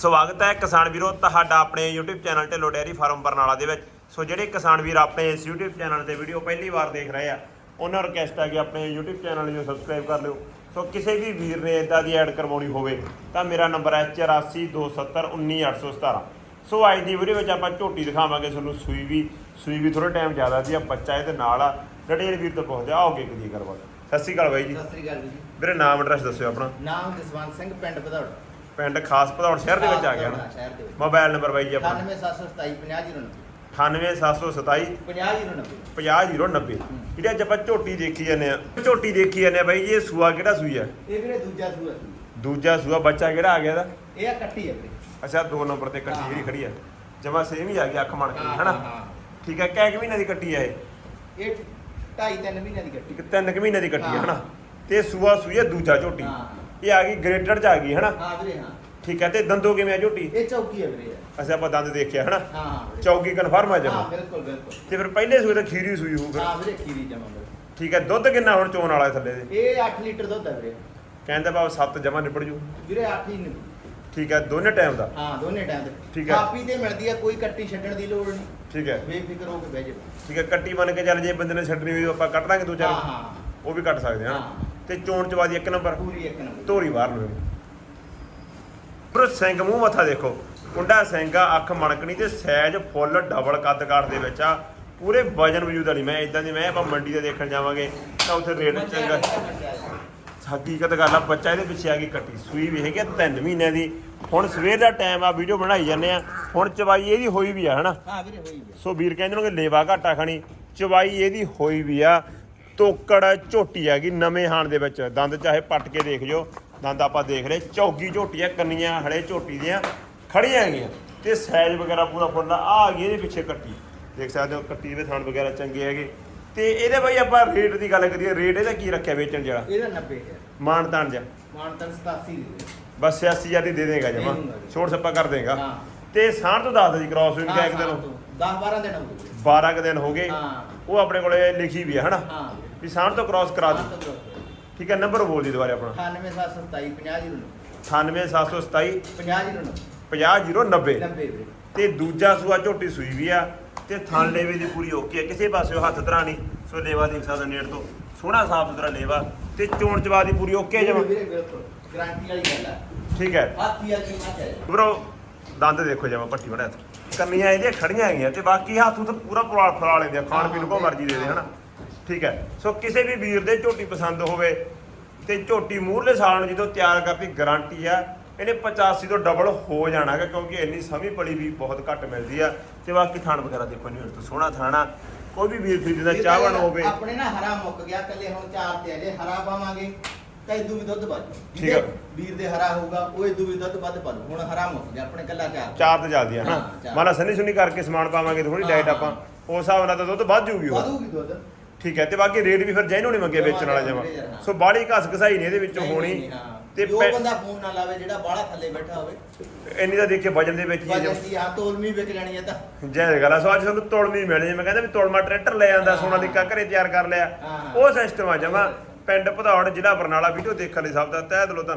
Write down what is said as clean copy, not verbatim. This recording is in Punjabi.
ਸਵਾਗਤ ਹੈ ਕਿਸਾਨ ਵੀਰੋ ਤੁਹਾਡਾ ਆਪਣੇ YouTube channel Dhillon dairy farm Barnala ਦੇ ਵਿੱਚ। ਸੋ ਜਿਹੜੇ ਕਿਸਾਨ ਵੀਰ ਆਪਣੇ ਇਸ YouTube ਚੈਨਲ ਤੇ ਵੀਡੀਓ ਪਹਿਲੀ ਵਾਰ ਦੇਖ ਰਹੇ ਆ ਉਹਨਾਂ ਨੂੰ ਰਿਕਵੈਸਟ ਹੈ ਕਿ ਆਪਣੇ YouTube ਚੈਨਲ ਨੂੰ ਸਬਸਕ੍ਰਾਈਬ ਕਰ ਲਿਓ। ਸੋ ਕਿਸੇ ਵੀ ਵੀਰ ਨੇ ਇਦਾਂ ਦੀ ਐਡ ਕਰਵਾਉਣੀ ਹੋਵੇ ਤਾਂ ਮੇਰਾ ਨੰਬਰ ਹੈ 8427191817। ਸੋ ਅੱਜ ਦੀ ਵੀਡੀਓ ਵਿੱਚ ਆਪਾਂ ਝੋਟੀ ਦਿਖਾਵਾਂਗੇ ਤੁਹਾਨੂੰ। ਸੂਈ ਵੀ ਥੋੜਾ ਟਾਈਮ ਜ਼ਿਆਦਾ ਸੀ, ਬੱਚਾ ਇਹਦੇ ਨਾਲ ਆ। ਡਿਟੇਲ ਵੀਰ ਤੋਂ ਪੁੱਛਦੇ ਆਓਗੇ ਕਿਦੀ ਕਰਵਾ। ਸਤਿ ਸ਼੍ਰੀ ਅਕਾਲ ਬਾਈ ਜੀ। ਸਤਿ ਸ੍ਰੀ ਅਕਾਲ ਜੀ। ਵੀਰੇ ਨਾਮ ਐਡਰੈਸ ਦੱਸਿਓ ਆਪਣਾ। ਨਾਮ ਜਸਵੰਤ ਸਿੰਘ, ਪਿੰਡ ਭਦੌੜ। ਪਿੰਡ ਖਾਸ ਭਦੌੜ ਸ਼ਹਿਰ ਦੇ ਵਿੱਚ ਆ ਗਿਆ ਨਾ। ਸ਼ਹਿਰ ਦੇ ਵਿੱਚ। ਮੋਬਾਈਲ ਨੰਬਰ ਬਾਈ ਜੀ ਆਪਣਾ 9772750090 98727 50090 ਜਿਹੜੀ ਅੱਜ ਆਪਾਂ ਝੋਟੀ ਦੇਖੀ ਜਾਂਦੇ ਆ ਬਾਈ ਜੀ। ਇਹ ਸੂਆ ਕਿਹੜਾ ਸੂਈ ਆ? ਇਹ ਵੀਰੇ ਦੂਜਾ ਸੂਆ ਸੀ। ਦੂਜਾ ਸੂਆ। ਬੱਚਾ ਕਿਹੜਾ ਆ ਗਿਆ ਇਹਦਾ? ਇਹ ਆ ਕੱਟੀ ਹੈ ਵੀਰੇ। ਅੱਛਾ 2 ਨੰਬਰ ਤੇ ਕੱਟੀ ਜਿਹੜੀ ਖੜੀ ਆ ਜਮਾ ਸੇਮ ਹੀ ਆ ਗਈ ਅੱਖ ਮਣ ਕੇ ਹਨਾ। ਹਾਂ ਠੀਕ ਹੈ। ਕਿੰਨੇ ਮਹੀਨੇ ਦੀ ਕੱਟੀ ਆ ਇਹ? ਇਹ 2.5-3 ਮਹੀਨਿਆਂ ਦੀ ਕੱਟੀ। 3 ਮਹੀਨੇ ਦੀ ਕੱਟੀ ਆ ਹਨਾ। ਤੇ ਸੂਆ ਸੂਈ ਆ ਦੂਜਾ ਝੋਟੀ। ਹਾਂ ਇਹ ਆ ਗਈ ਗ੍ਰੇਟਰ ਚ ਆ ਗਈ ਹਨਾ। ਹਾਂ ਵੀਰੇ ਹਾਂ। ਠੀਕ ਹੈ। ਤੇ ਦੰਦੋਂ ਕਿਵੇਂ ਆ ਝੋਟੀ? ਇਹ ਚੌਕੀ ਹੈ ਵੀਰੇ। ਅੱਛਾ ਆਪਾਂ ਦੰਦ ਦੇਖਿਆ ਹਨਾ। ਹਾਂ ਹਾਂ ਚੌਕੀ ਕਨਫਰਮ ਆ ਜਮਾ। ਹਾਂ ਬਿਲਕੁਲ ਬਿਲਕੁਲ। ਤੇ ਫਿਰ ਪਹਿਲੇ ਸੂਏ ਤਾਂ ਖੀਰੀ ਸੂਈ ਹੋਊ ਫਿਰ। ਹਾਂ ਵੀਰੇ ਖੀਰੀ ਜਮਾ ਵੀਰੇ। ਠੀਕ ਹੈ। ਦੁੱਧ ਕਿੰਨਾ ਹੁਣ ਚੋਣ ਵਾਲਾ ਥੱਲੇ ਦੇ? ਇਹ 8 ਲੀਟਰ ਦੁੱਧ ਹੈ ਵੀਰੇ। ਕਹਿੰਦਾ ਬਾਬ 7 ਜਮਾ ਨਿਬੜ ਜੂ। ਵੀਰੇ 8 ਹੀ ਨੇ। ਠੀਕ ਹੈ। ਦੋਨੇ ਟਾਈਮ ਦਾ? ਹਾਂ ਦੋਨੇ ਟਾਈਮ ਤੇ। ਠੀਕ ਹੈ। ਕਾਪੀ ਤੇ ਮਿਲਦੀ ਹੈ, ਕੋਈ ਕੱਟੀ ਛੱਡਣ ਦੀ ਲੋੜ ਨਹੀਂ। ਠੀਕ ਹੈ। ਬੇਫਿਕਰ ਹੋ ਕੇ ਬਹਿ ਜਾਓ। ਠੀਕ ਹੈ। ਕੱਟੀ ਬਣ ਕੇ ਚੱਲ ਜੇ ਬੰਦੇ ਨੇ ਛੱਡਣੀ ਹੋਈ ਆਪਾਂ ਕੱਟ ਦਾਂਗੇ 2-4। ਹਾਂ ਹਾਂ ਉਹ ਵੀ ਕੱਟ ਸਕਦੇ ਹਾਂ। ਹਾਂ। ਤੇ ਚੋਣ ਚਵਾਦੀ 1 ਨੰਬਰ। ਪੂਰੀ 1 ਨੰਬਰ। ਧੋਰੀ ਬਾਹਰ ਨੂੰ ਪਰ ਸਿੰਘ ਮੂੰਹ ਮੱਥਾ ਦੇਖੋ। ਕੁੰਡਾ ਸਿੰਘ ਆ, ਅੱਖ ਮਣਕਣੀ ਤੇ ਸਾਈਜ਼ ਫੁੱਲ ਡਬਲ ਕੱਦ ਕਾਠ ਦੇ ਵਿੱਚ ਆ। ਪੂਰੇ ਵਜਨ ਵਜੂਦ ਵਾਲੀ ਮੈਂ ਇਦਾਂ ਦੀ ਮੈਂ ਆਪਾਂ ਮੰਡੀ ਤੇ ਦੇਖਣ ਜਾਵਾਂਗੇ ਤਾਂ ਉੱਥੇ ਰੇਟ ਚੰਗਾ। ਹਕੀਕਤ ਗੱਲ ਆ। ਬੱਚਾ ਇਹਦੇ ਪਿੱਛੇ ਆ ਗਈ ਕੱਟੀ। ਸੂਈ ਵੀ ਹੈਗੀ 3 ਮਹੀਨਿਆਂ ਦੀ। ਹੁਣ ਸਵੇਰ ਦਾ ਟਾਈਮ ਆ, ਵੀਡੀਓ ਬਣਾਈ ਜਾਂਦੇ ਆ। ਹੁਣ ਚਵਾਈ ਇਹਦੀ ਹੋਈ ਵੀ ਆ ਹਨਾ। ਹਾਂ ਵੀਰੇ ਹੋਈ ਵੀ। ਸੋ ਵੀਰ ਕਹਿੰਦੇ ਨੇ ਕਿ ਲੇਵਾ ਘਾਟਾ ਖਾਣੀ। ਚਵਾਈ ਇਹਦੀ ਹੋਈ ਵੀ ਆ। ਤੋਕੜ ਝੋਟੀ ਹੈਗੀ ਨਵੇਂ ਹਾਣ ਦੇ ਵਿੱਚ। ਦੰਦ ਚਾਹੇ ਪੱਟ ਕੇ ਦੇਖ ਜਾਓ। ਦੰਦ ਆਪਾਂ ਦੇਖ ਰਹੇ। ਚੌਗੀ ਝੋਟੀ ਆ, ਕੰਨੀਆਂ ਹਲੇ ਝੋਟੀ ਦੀਆਂ ਖੜੀਆਂ ਹੈਗੀਆਂ ਤੇ ਸਾਈਜ਼ ਵਗੈਰਾ ਪੂਰਾ ਫੁੱਲ ਆ ਗਈ। ਇਹਦੇ ਪਿੱਛੇ ਕੱਟੀ ਦੇਖ ਸਕਦੇ ਹੋ। ਕੱਟੀ ਦੇ ਥਣ ਵਗੈਰਾ ਚੰਗੇ ਹੈਗੇ। ਤੇ ਇਹਦੇ ਬਾਈ ਆਪਾਂ ਰੇਟ ਦੀ ਗੱਲ ਕਰੀਏ, ਰੇਟ ਇਹਦਾ ਕੀ ਰੱਖਿਆ ਵੇਚਣ ਜਿਹੜਾ? ਇਹਦਾ 90,000 ਮਾਨਤਾਨ ਜਾ ਮਾਨਤਨ 87 ਦੀ। ਬਸ 86,000 ਦੀ ਦੇ ਦੇਗਾ ਜਮਾ। ਛੋੜ ਛੱਪਾ ਕਰ ਦੇਗਾ। ਹਾਂ ਤੇ ਸਾਂਢ ਤੋਂ ਦੱਸ ਦੇ ਜੀ ਕ੍ਰਾਸ ਹੋਈ ਕਿਆ ਇੱਕ ਦਿਨ 10-12 ਦਿਨ ਹੋ ਗਏ। 12 ਕੁ ਦਿਨ ਹੋ ਗਏ। ਹਾਂ ਉਹ ਆਪਣੇ ਕੋਲੇ ਲਿਖੀ ਵੀ ਆ ਹਨਾ ਹਾਂ ਵੀ ਸਾਂਢ ਤੋਂ ਕ੍ਰਾਸ ਕਰਾ ਦੇ। ਠੀਕ ਹੈ। ਨੰਬਰ ਬੋਲ ਦੀ ਦੁਬਾਰੇ ਆਪਣਾ। 9772750090 98727 5009 50090। 90 ਵੀਰੇ। ਤੇ ਦੂਜਾ ਸੂਆ ਝੋਟੀ ਸੂਈ ਵੀ ਆ ਤੇ ਥਣ ਲੇਵੇ ਦੀ ਪੂਰੀ ਓਕੇ ਆ। ਕਿਸੇ ਪਾਸੇ ਹੱਥ ਧਰਾ ਨਹੀਂ। ਸੋ ਲੇਵਾ ਦੇਖ ਸਕਦਾ ਨੇੜ ਤੋਂ ਸੋਹਣਾ ਸਾਫ ਸੁਥਰਾ ਲੇਵਾ ਤੇ ਚੋਣ ਚਵਾ ਦੀ ਪੂਰੀ ਓਕੇ ਜਮਾ। ਵੀਰੇ ਬਿਲਕੁਲ ਗਾਰੰਟੀ ਵਾਲੀ ਗੱਲ ਹੈ। ਠੀਕ ਹੈ। ਹਾਥੀ ਵਾਲੀ ਕਿੰਨਾ ਚਾਹੀਦਾ ਬਰੋ ਦੰਦ ਦੇਖੋ ਜਮਾ ਪੱਟੀ ਬੜਾ ਕੰਨੀਆਂ ਇਹਦੀਆਂ ਖੜੀਆਂ ਹੈਗੀਆਂ ਤੇ ਬਾਕੀ ਹੱਥ ਤੋਂ ਪੂਰਾ ਫਰਾ ਲੈਂਦੇ ਆ। ਖਾਣ ਪੀਣ ਕੋ ਮਰਜ਼ੀ ਦੇ ਦੇ ਹਨਾ। ਠੀਕ ਹੈ। ਸੋ ਕਿਸੇ ਵੀ ਵੀਰ ਦੇ ਝੋਟੀ ਪਸੰਦ ਹੋਵੇ ਤੇ ਝੋਟੀ ਮੂਹਰਲੇ ਸਾਲ ਨੂੰ ਜਦੋਂ ਤਿਆਰ ਕਰਦੀ ਗਾਰੰਟੀ ਆ। ਇਹਨੇ 85 ਤੋਂ ਡਬਲ ਹੋ ਜਾਣਾ ਗਾ ਕਿਉਂਕਿ ਇੰਨੀ ਸਮੀ ਪਲੀ ਵੀ ਬਹੁਤ ਘੱਟ ਮਿਲਦੀ ਆ। ਤੇ ਬਾਕੀ ਥਣ ਵਗੈਰਾ ਦੇਖੋ ਨਹੀਂ ਤੋਂ ਸੋਹਣਾ ਥਾਣਾ। ਕੋਈ ਵੀ ਵੀਰ ਖਰੀਦਦਾ ਚਾਹਵਣ ਹੋਵੇ। ਆਪਣੇ ਨਾ ਹਰਾ ਮੁੱਕ ਗਿਆ, ਕੱਲੇ ਹੁਣ 4 ਤੇ ਅਜੇ ਹਰਾ ਪਾਵਾਂਗੇ ਤਾਂ ਇਦੋਂ ਵੀ ਦੁੱਧ ਵੱਧ। ਠੀਕ ਹੈ। ਵੀਰ ਦੇ ਹਰਾ ਹੋਊਗਾ ਉਹ ਇਦੋਂ ਵੀ ਦੁੱਧ ਵੱਧ ਪਾ ਦੂ। ਹੁਣ ਹਰਾ ਮੁੱਕ ਗਿਆ ਆਪਣੇ ਕੱਲਾ 4 ਤੇ ਜਲਦੀ ਆ ਹਨਾ। ਮਾਨਾ ਸੰਨੀ ਸੁਨੀ ਕਰਕੇ ਸਮਾਨ ਪਾਵਾਂਗੇ ਥੋੜੀ ਡਾਈਟ ਆਪਾਂ ਉਸ ਹਿਸਾਬ ਨਾਲ ਤਾਂ ਦੁੱਧ ਵੱਧ ਜੂਗੀ ਉਹ। ਵਧੂਗੀ ਦੁੱਧ। ਠੀਕ ਹੈ। ਤੇ ਬਾਕੀ ਰੇਟ ਵੀ ਫਿਰ ਜੈਨੋ ਨਹੀਂ ਮੰਗੇ ਵੇਚਣ ਵਾਲਾ ਜਮਾ। ਸੋ ਬਾਹਲੀ ਘਸ ਘਸਾਈ ਨਹੀਂ ਇਹਦੇ ਵਿੱਚੋਂ ਹੋਣੀ। ਤੇ ਜੋ ਬੰਦਾ ਫੋਨ ਨਾ ਲਾਵੇ ਜਿਹੜਾ ਬਾਹਲਾ ਥੱਲੇ ਬੈਠਾ ਹੋਵੇ। ਇੰਨੀ ਤਾਂ ਦੇਖੇ ਵਜਨ ਦੇ ਵਿੱਚ ਹੀ ਵਜਨ ਦੀ ਆ ਤੋਲਮੀ ਵਿਕ ਜਾਣੀ ਹੈ ਤਾਂ ਜੈ ਗੱਲ ਆ। ਸੋ ਅੱਜ ਤੁਹਾਨੂੰ ਤੋਲਮੀ ਮਿਲਣੀ। ਮੈਂ ਕਹਿੰਦਾ ਵੀ ਤੋਲਮਾ ਟਰੈਕਟਰ ਲੈ ਜਾਂਦਾ ਸੋਨਾ ਦੀ ਘਰੇ ਤਿਆਰ ਕਰ ਲਿਆ। ਉਹ ਸਿਸਟਮ ਆ ਜਮਾ। ਪਿੰਡ ਭਦੌੜ ਜ਼ਿਲ੍ਹਾ ਬਰਨਾਲਾ। ਵੀਡੀਓ ਦੇਖਣ ਲਈ ਸਭ ਦਾ ਤਹਿ ਦਿਲੋਂ